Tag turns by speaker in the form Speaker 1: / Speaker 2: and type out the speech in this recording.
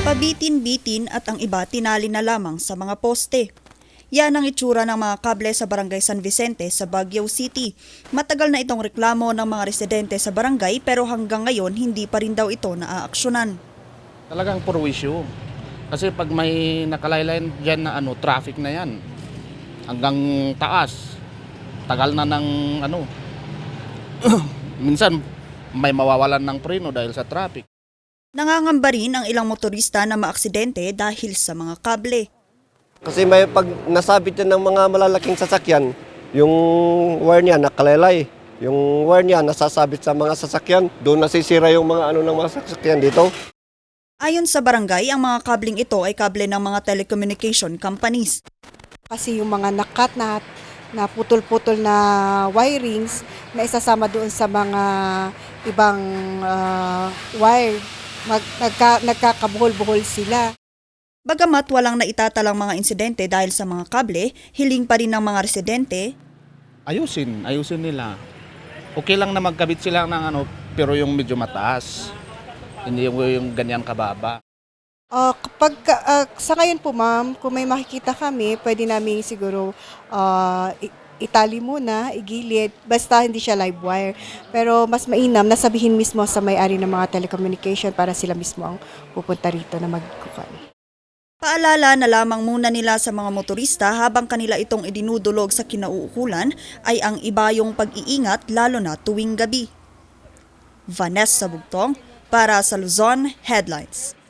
Speaker 1: Pabitin-bitin at ang iba tinali na lamang sa mga poste. Yan ang itsura ng mga kable sa Barangay San Vicente sa Baguio City. Matagal na itong reklamo ng mga residente sa barangay pero hanggang ngayon hindi pa rin daw ito naaaksyonan.
Speaker 2: Talagang puro issue. Kasi pag may nakalaylay dyan na traffic na yan. Hanggang taas. Tagal na ng minsan may mawawalan ng preno dahil sa traffic.
Speaker 1: Nangangamba rin ang ilang motorista na maaksidente dahil sa mga kable.
Speaker 3: Kasi may pag nasabit yan ng mga malalaking sasakyan, yung wire niya nakalaylay. Yung wire niya nasasabit sa mga sasakyan, doon nasisira yung mga ng mga sasakyan dito.
Speaker 1: Ayon sa barangay, ang mga kabling ito ay kable ng mga telecommunication companies.
Speaker 4: Kasi yung mga nakat na putol-putol na wirings na isasama doon sa mga ibang wire, nagkakabuhol-buhol sila.
Speaker 1: Bagamat walang naitatalang mga insidente dahil sa mga kable, hiling pa rin ng mga residente.
Speaker 2: Ayusin nila. Okay lang na magkabit sila ng pero yung medyo mataas. Hindi yung ganyan kababa.
Speaker 4: Sa ngayon po ma'am, kung may makikita kami, pwede namin siguro itali muna, igilid, basta hindi siya live wire. Pero mas mainam na sabihin mismo sa may-ari ng mga telecommunication para sila mismo ang pupunta rito na magkukan.
Speaker 1: Paalala na lamang muna nila sa mga motorista habang kanila itong idinudulog sa kinauukulan ay ang ibayong pag-iingat lalo na tuwing gabi. Vanessa Bugtong para sa Luzon Headlines.